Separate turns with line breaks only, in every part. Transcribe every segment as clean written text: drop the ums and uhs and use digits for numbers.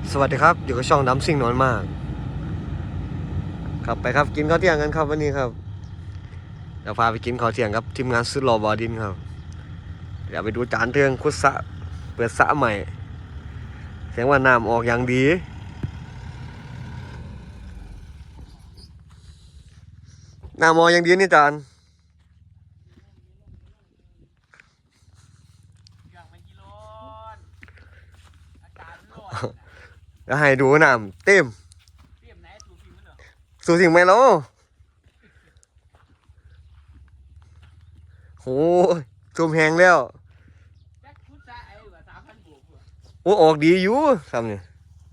สวัสดีครับอยู่กับช่องน้ำซิ่งนอนมากครับไปครับกินข้าวเที่ยงกันครับวันนี้ครับเดี๋ยวพาไปกินข้าวเที่ยงครับทีมงานสุดหล่อบอดินครับเดี๋ยวไปดูจานเทืองคุดสะเปิดสะใหม่เสียงว่าน้ำออกอย่างดีน้ำออกอย่างดีนี่จานแล้วให้ดูน้ำเต็มสู่สิ่งไหมแล้วโหซูมแหงแล้วโอ้ออกดีอยู่ทำเนี่ย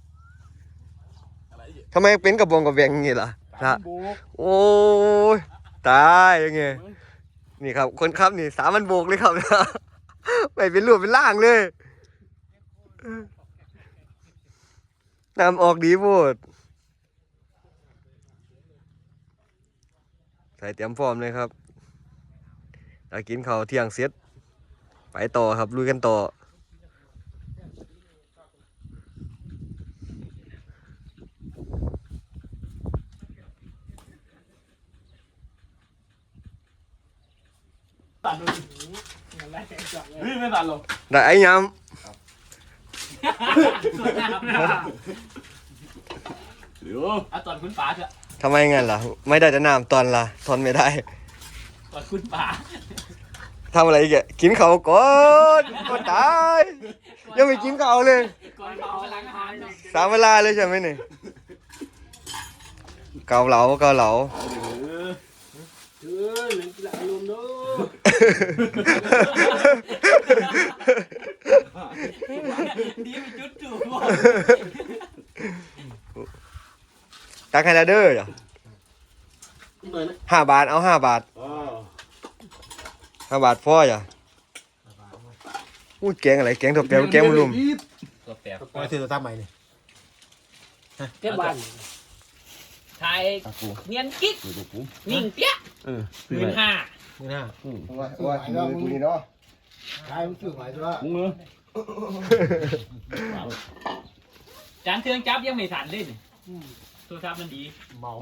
ทำไมเป็นกระบองกระแบงอย่างงี้ล่ะละโอ้ยตายยังไงนี่ครับคนขับนี่3,000 โบกเลยครับ ไม่เป็นรูปเป็นร่างเลยน้ำออกดีโพดใส่เตรียมพร้อมเลยครับเรากินข้าวเที่ยงเสร็จไปต่อครับลุยกันต่อ
เฮ้ยไม่ตัดหรอก
ได้ไอ้ย
เดี๋ยวเอาตอนคุณป๋าเถอะ
ำทำไมงั้นล่ะไม่ได้จะน้ำตอนละทนไม่ได้
ตอนคุณป๋า
ทำอะไรอีกอะกินข้าวก่อนก็ตายยังไม่กินข้าวเลย
ก่อนเขาล้างอาหาร
3 เวลาเลยใช่ไหมนี่เกาเหลา
หนังกีฬาลมเนาะดีไปจุดจู่บ่
ตักให้ละเด้อจ้ะ5 บาทเอา5 บาท5 บาทพอจ้ะอู้แกงอะไรแกงถั่วเปรี้ยวแกงมะรุม
ตัวแปบ
มาซื้อตัวตั้มใหม่นี่
เก็บบ้านไทยเนียนกิ๊กนิ่งเปี้ย15,000
มือหน้า
ว่ามือเนาะ
ใช่มันซื้อใหม่ตัวละ
มึงเนอะจานเครื่องจับยังไม่ทันเลยนี่โทรศัพท์มันดี
เมา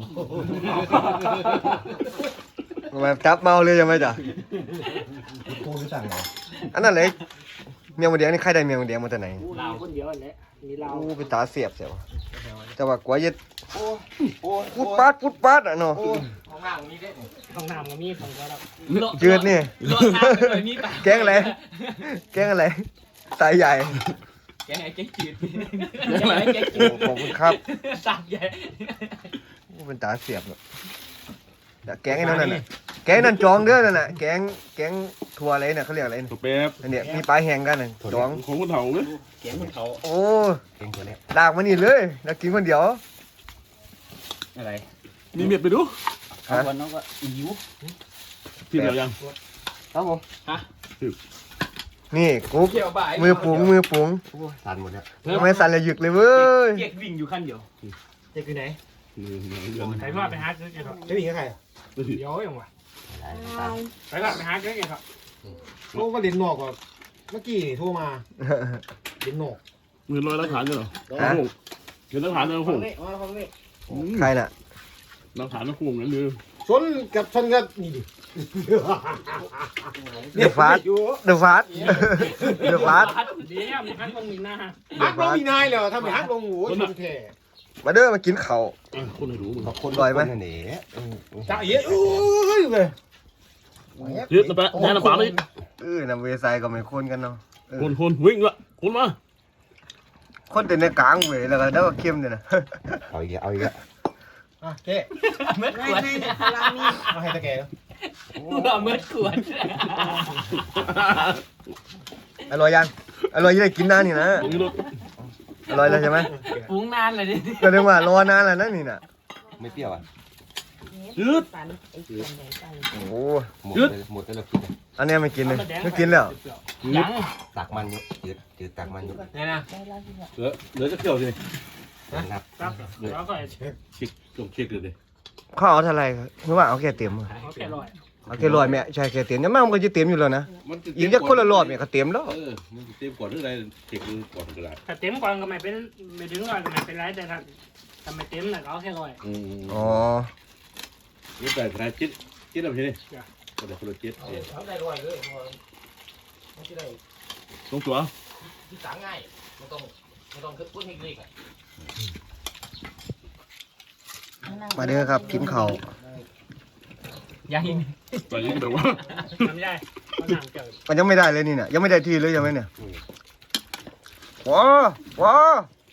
มาจับเมาเลยใช่ไหมจ้ะ
กูรู้จักเหรอ
อันนั้นเลยเมียงมะเดียงนี่ใครได้เมียงมะเดียงมาจากไหน
เราคนเดียวแหละมีเรา
อู้เป็นตาเสียบเสียวแต่ว่ากว่าจะพุดปาดอ่ะเนาะ
ของน้ำมีได้ของน้ำก็มีของก็รับ
จืดนี่
รถน้ำเลยมีปะ
แกงอะไรแกงอะไรตายใหญ่
แกงไอ้แกงจืดแกงไอ้แกงจืด
ขอบคุณครับ
สับใหญ่
อู้เป็นตาเสียบเนาะเดี๋ยวแกงไอ้นั่นน่ะแกงนั่นจองเด้อนั่นน่ะแกงถั่วอะไรน่ะเขาเรียกอะไร
ตัวแป๊บ
อันเนี้ยมีปลาแห้งกันน่ะจอง
ของคนเฒ่าเลย
แกงคนเขา
โอ้
เก่งตัวเนี้ย
ลากมานี่เลยแล้วกินคนเดียว
อะไร
มีเม็ดไปดู
ฮะ
วันน้องก็หิว
ที่เดียวยัง
ครับผม
ฮะ
นี่กุ๊ก
เกี่ยวบ่าย
มือปุ๋ง
สั่นหมดเนี่ย
ทำไมสั่นเลยหยึกเลยเว้ย
เกียกวิ่งอยู่ขั้นเดียว
เจ๊คือไหน
ใครว่าไปหาซื้อแกครับ
เจ๊วิ่งกับใครอ่ะ
เดี๋ยวยังวะใครว่าไปหาซื้อแกครับ
โอ้ว่าเรียนนอกก่อนเมื่อกี้โทรมาเรียนนอก
มือลอยหลักฐานกันเหรอเห็นหลักฐานนะผม
ใครน่ะ
หลักฐานนะผมนั่นเลย
ชนกับนี่ดิ
เดือดฟาดเดือดฟาดเดือดฟาด
เดี๋ยวมันต้องมีหน้า
ฮักลงมีนายเลยถ้าไม่ฮักลงหูชนแท้
มาเด้อมากินข้าว
คนให้ดูมึง
คน
ลอยไหม
จ่าเอ๋ยเลย
ยืดนะแป๊ะแน่นะป๋าเลย
น้ำเวไซก็ไม่คนกันเนาะ
คนวิ่งละคนมา
คนแต่ในกลางเว้ยแล้วก็เด้อเข้มเนี่ยนะ
เอาอีกอ่ะเจ๊
เมื่อขวด
มาให้ตะแก
เราเมื่อขวด
อร่อยยังอร่อยยังได้กินนานนี่นะ
นี่รถ
อร่อยแล้วใช่ไหม
ฟุ้งนานเลยดิ
ก็เรียกว่ารอนานแล้วนะนี่น่ะ
ไม่เปรี้ยวอ่ะ
ยืด
โอ้โห
หมดแล้วกิน
อันเนี้ยไม่กินเลยไม่กินแล้ว
ยัง
ตักมันอยู่จืดตักมันอยู่
เนี่ยนะ
เหลือจะเกี่ยวสิ
นับ
ครับแล้วก็
เช็คจงเช็คเลยดิ
ข้าวเอาเท่าไหร่ครับหรือว่าเอาแค่เต็มอะ
เขาแค่ร้อย
เอาแค่100แม่ใช่แค่เต็มยังมันก็จะเต็มอยู่แล้วนะอีกจักคนละรอบเนี่ยก็เต็มแล้ว
มันเต็มกว่าเรื่องอะไรเก็บดูก่อนก็ได้
ถ้าเต็มก่อนก็ไม่เป็นไม่ถึงก่อนก็ไม่เป็นไรแต่ถ้าไม่เต็มน่ะก็เอาแค่ร้อย
อ๋อ
นี่แต่ขนาดจิ๊ดอะไรนี่ก็ได้คนละจิ๊ด
เขาได้ร้อยเลยมันจะได้
ตรงตัว
ที่สางง่ายไม่ต้องขึ้นพุ่นให้เลยกัน
มาเด้อครับกินข้าว
ยัง
แต่ยิ่งแบบว่า
ทำได้เขาหนังเกิด
มันยังไม่ได้เลยนี่เนี่ยยังไม่ได้ที่เลยยังไหมเนี่ยว้า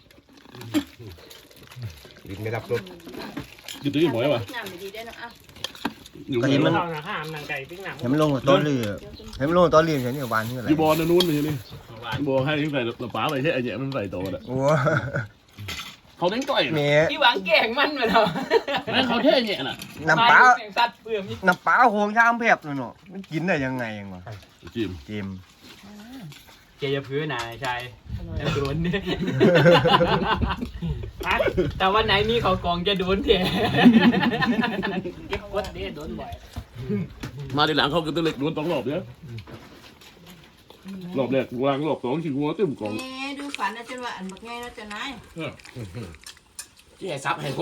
ดินไม่รับรส
อยู่ตัวนี้หมอยว่ะ
น้ำดีได้นะอ่ะ
อยู่
ก็
ไห
เห็
น
นมัน
เราหนังข้ามหนังไก่ปิ้งหนัง
เห็นมันลงกับต้นเรือเห็นมันลงกับต้นเรือใช่เนี่ยหวานที่อะไร
อยู่บอลนู้นเลยนี่บอลให้ใส่กระป๋าไปใช่ไอ้เนี่ยมันใส่โตอ่ะ
โอ้
เขาเล่นต่อย
เม
ที่หวังแกงมันมาแล้ว
นั่นเขาเท่เนี่ยน่ะ
น้ำปลา
สัตว์เปลือกนี่
น้ำปลาโหงชามเพียบเลยเนาะมันกินได้ยังไงยังวะ
จิม
จิม
เจยพื้นนายชายโดนเนี่ยแต่วันไหนมีเขากองจะโดนเถอะ
เก็บกดได้โดนบ่อย
มาทีหลังเขาก็ตัวเล็กโดน2 รอบเนี่ยรอบแรกวางรอบ2ขี้หัวเต็มกล่อง
แหมดูฝันนะจนว่าอันบักไงนะจะนาย
ที่ไอ้ซับให้